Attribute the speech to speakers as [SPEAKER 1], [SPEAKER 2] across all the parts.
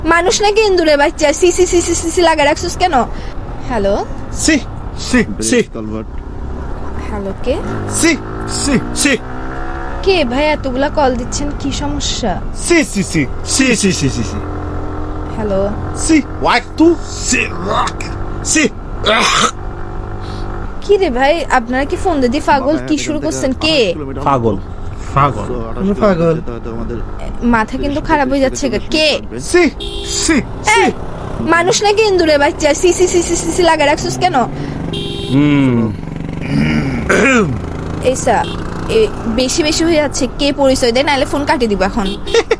[SPEAKER 1] মানুষ নাকি ইন্দুরে বাচ্চা সি সি সি সি সি লাগা রাখছিস কেন? হ্যালো
[SPEAKER 2] সি সি সি
[SPEAKER 1] হ্যালো, কে
[SPEAKER 2] সি সি সি
[SPEAKER 1] কে ভাই? এতগুলা কল দিচ্ছেন, কি সমস্যা?
[SPEAKER 2] সি সি সি সি সি সি সি সি
[SPEAKER 1] হ্যালো,
[SPEAKER 2] সি ওয়াক টু সি রক সি
[SPEAKER 1] কি রে ভাই, আপনারা কি ফোন দিয়ে পাগল? কি শুরু করছেন? কে?
[SPEAKER 2] পাগল পাগল
[SPEAKER 3] পাগল।
[SPEAKER 1] মাথা কিন্তু খারাপ হয়ে যাচ্ছে গা। কে?
[SPEAKER 2] সি সি সি
[SPEAKER 1] মানুষ নাকি ইন্দুরে বাচ্চা সি সি সি সি সি লাগা রাখছিস কেন? এইসা বেশি বেশি হয়ে যাচ্ছে। কে পরিচয় দেয়, নাহলে ফোন কাটি দিব এখন।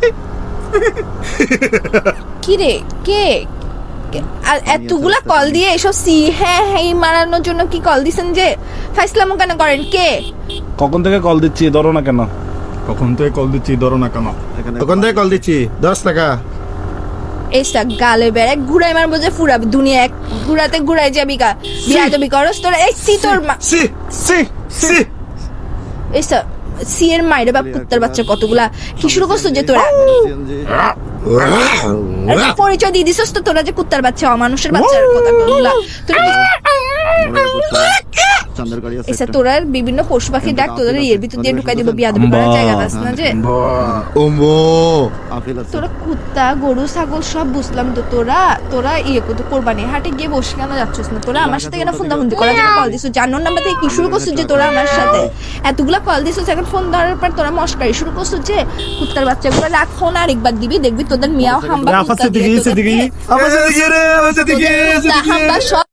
[SPEAKER 1] কি রে, কে? আর এতগুলা কল দিয়ে এসব সি হ্যাঁ হ্যাঁ মারানোর জন্য কি কল দিছেন? যে ফাইসলামো কেন করেন? কে?
[SPEAKER 4] কখন থেকে কল দিচ্ছি, ধরো না কেন?
[SPEAKER 2] কখন থেকে কল দিচ্ছি, ধরো না কেন?
[SPEAKER 3] তখন থেকে কল দিচ্ছি 10 টাকা।
[SPEAKER 1] এইসা গালে বেড়ে ঘুরাই মারবো যে ফুরাবি দুনিয়া, এক ঘুরাতে ঘুরাই যাবি গা। বিয়া দেবি করস তোরা? এই সি তোর
[SPEAKER 2] সি সি সি
[SPEAKER 1] এইসা সি এর মাইরে বাপ কুত্তার বাচ্চা কতগুলা। কি শুরু করছো যে তোরা? পরিচয় দিয়ে দিছস তো তোরা যে কুত্তার বাচ্চা, অমানুষের বাচ্চার কথা বললা তোরা। এসা তোরা বিভিন্ন পশু পাখি ডাক তোদের এর ভিতর দিয়ে ঢুকাই দিব। বিয়াদবি করার জায়গা পাস না যে।
[SPEAKER 3] ওমো
[SPEAKER 1] তোরা কুত্তা গরু ছাগল সব বুঝলাম তো, তোরা ইয়ে করতে কোরবানি হাটে গিয়ে বসে কেন যাচ্ছিস না? তোরা আমার সাথে কেন ফোন দামন্দি করার জন্য কল দিছিস? জানোর নাম্বার থেকে কি শুরু করছিস যে তোরা আমার সাথে এতগুলা কল দিছিস? এখন ফোন ধরার পর তোরা মস্কারি শুরু করছিস যে কুত্তার বাচ্চাগুলো। রাখ ফোন, আরেকবার দিবি দেখবি তোদের মিয়াও হাম্বা কুত্তা দিয়ে তোদের-
[SPEAKER 2] আমার সাথে কি রে আমার সাথে কি
[SPEAKER 1] কুত্তা হাম্বা সব